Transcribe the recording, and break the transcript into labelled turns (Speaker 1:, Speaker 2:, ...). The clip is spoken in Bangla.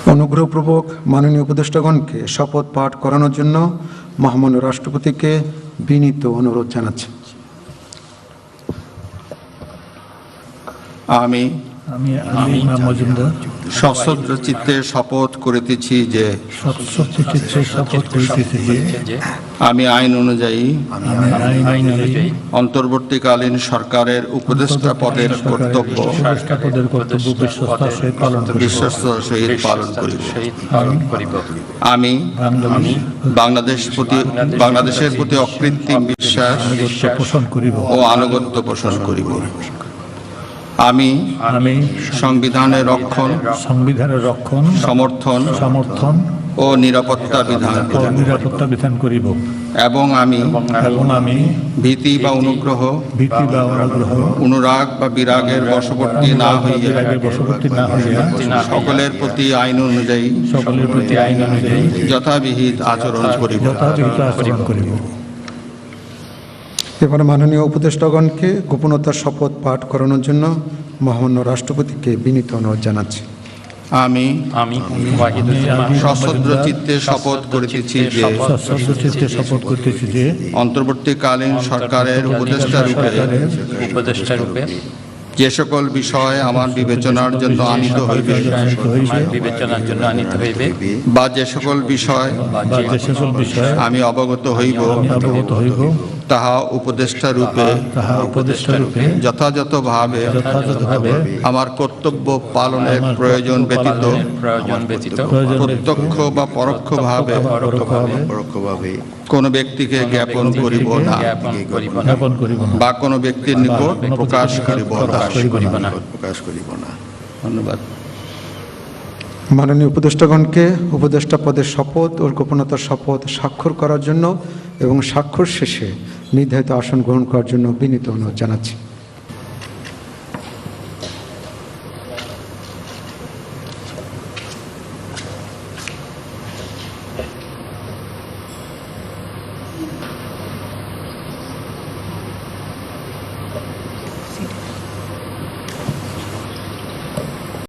Speaker 1: অনুগ্রহপূর্বক মাননীয় উপদেষ্টাগণকে শপথ পাঠ করানোর জন্য মহামান্য রাষ্ট্রপতিকে বিনীত অনুরোধ জানাচ্ছি।
Speaker 2: আমি সশ্রদ্ধ চিত্তে শপথ করিতেছি যে আমি আইন অনুযায়ী অন্তর্বর্তীকালীন সরকারের উপদেষ্টা পদের কর্তব্য বিশ্বস্ততার সহিত পালন করিব। আমি বাংলাদেশের প্রতি অকৃত্রিম বিশ্বাস ও আনুগত্য পোষণ করিব। আমি সংবিধানের রক্ষণ সমর্থন ও নিরাপত্তা বিধান করিব এবং আমি ভীতি বা অনুগ্রহ অনুরাগ বা বিরাগের বশবর্তী না হইয়া সকলের প্রতি আইন অনুযায়ী যথাবিহিত আচরণ করিব।
Speaker 1: এবার মাননীয় উপদেষ্টাগণকে গোপনতার শপথ পাঠ করানোর জন্য মহামান্য রাষ্ট্রপতিকে বিনীত অনুরোধ জানাচ্ছি।
Speaker 2: আমি সশ্রদ্ধ চিত্তে শপথ করিতেছি যে অন্তর্বর্তীকালীন সরকারের উপদেষ্টা রূপে যে সকল বিষয় আমার বিবেচনার জন্য আনিত হইবে বা যে সকল বিষয় আমি অবগত হইব তাহা উপদেষ্টা রূপে যথাযথভাবে আমার কর্তব্য পালনের প্রয়োজন ব্যতীত প্রত্যক্ষ বা পরোক্ষভাবে কোন ব্যক্তিকে জ্ঞাপন করিব না বা কোন ব্যক্তির নিকট প্রকাশ করিব না। ধন্যবাদ।
Speaker 1: মাননীয় উপদেষ্টাগণকে উপদেষ্টা পদের শপথ ও গোপনতার শপথ স্বাক্ষর করার জন্য এবং স্বাক্ষর শেষে নির্ধারিত আসন গ্রহণ করার জন্য বিনীত অনুরোধ জানাচ্ছি।